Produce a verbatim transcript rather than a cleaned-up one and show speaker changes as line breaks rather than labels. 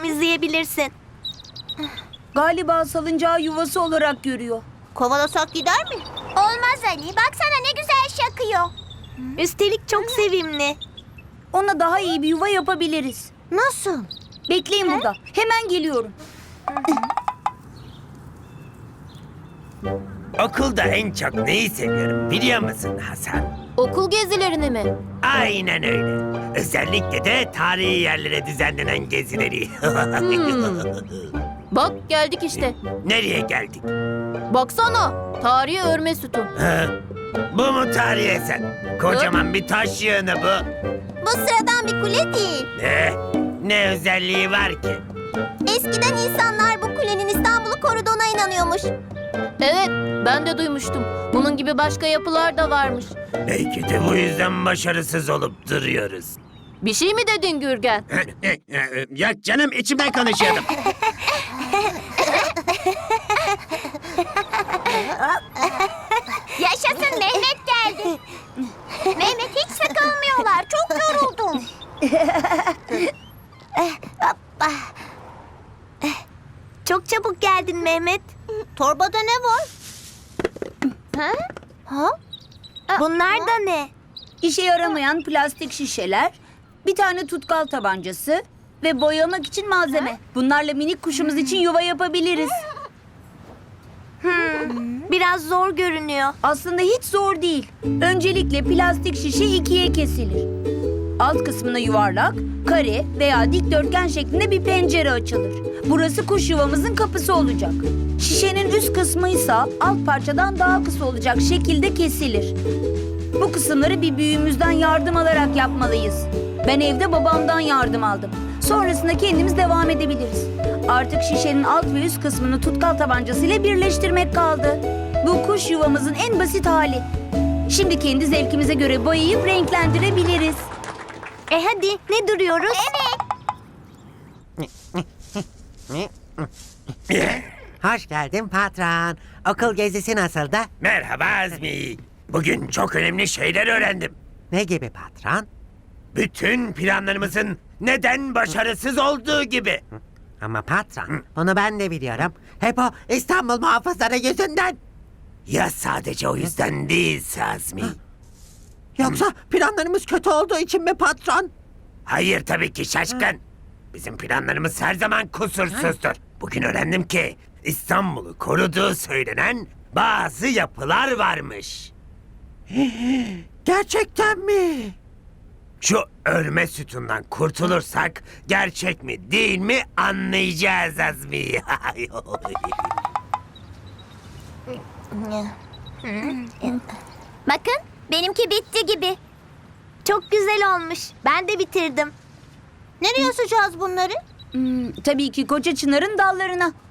temizleyebilirsin.
Galiba salıncağı yuvası olarak görüyor.
Kovalasak gider mi?
Olmaz Ali. Baksana ne güzel şakıyor.
Üstelik çok sevimli.
Ona daha iyi bir yuva yapabiliriz.
Nasıl?
Bekleyin burada. Hemen geliyorum.
Okulda en çok neyi seviyorum biliyor musun Hasan?
Okul gezilerini mi?
Aynen öyle. Özellikle de tarihi yerlere düzenlenen gezileri.
Bak geldik işte.
Nereye geldik?
Baksana. Tarihi örme sütun.
Ha? Bu mu tarihi eser? Kocaman bir taş yığını bu.
Bu sıradan bir kule değil.
Ne? Ne özelliği var ki?
Eskiden insanlar bu kulenin İstanbul'u koruduğuna inanıyormuş. Evet, ben de duymuştum. Bunun gibi başka yapılar da varmış.
Belki de bu yüzden başarısız olup duruyoruz.
Bir şey mi dedin Gürgen?
Ya canım içimden konuşuyordum.
Yaşasın Mehmet geldi. Mehmet hiç sıkılmıyorlar. Çok yoruldum.
Çok çabuk geldin Mehmet.
Torbada ne var? Ha? Ha?
Bunlar da ne?
İşe yaramayan plastik şişeler, bir tane tutkal tabancası ve boyamak için malzeme. Bunlarla minik kuşumuz için yuva yapabiliriz.
Biraz zor görünüyor.
Aslında hiç zor değil. Öncelikle plastik şişe ikiye kesilir. Alt kısmına yuvarlak, kare veya dikdörtgen şeklinde bir pencere açılır. Burası kuş yuvamızın kapısı olacak. Şişenin üst kısmı ise alt parçadan daha kısa olacak şekilde kesilir. Bu kısımları bir büyüğümüzden yardım alarak yapmalıyız. Ben evde babamdan yardım aldım. Sonrasında kendimiz devam edebiliriz. Artık şişenin alt ve üst kısmını tutkal tabancasıyla birleştirmek kaldı. Bu kuş yuvamızın en basit hali. Şimdi kendi zevkimize göre boyayıp renklendirebiliriz.
E hadi ne duruyoruz?
Hoş geldin patron. Okul gezisi nasıldı?
Merhaba Azmi. Bugün çok önemli şeyler öğrendim.
Ne gibi patron?
Bütün planlarımızın neden başarısız olduğu gibi.
Ama patron, bunu ben de biliyorum. Hep o İstanbul muhafızları yüzünden.
Ya sadece o yüzden değilse Azmi.
Yoksa planlarımız kötü olduğu için mi patron?
Hayır tabii ki şaşkın. Bizim planlarımız her zaman kusursuzdur. Bugün öğrendim ki İstanbul'u koruduğu söylenen bazı yapılar varmış.
Gerçekten mi?
Şu örme sütundan kurtulursak gerçek mi değil mi anlayacağız Azmi.
Bakın benimki bitti gibi.
Çok güzel olmuş. Ben de bitirdim.
Nereye asacağız bunları?
Hmm, tabii ki koca çınarın dallarına.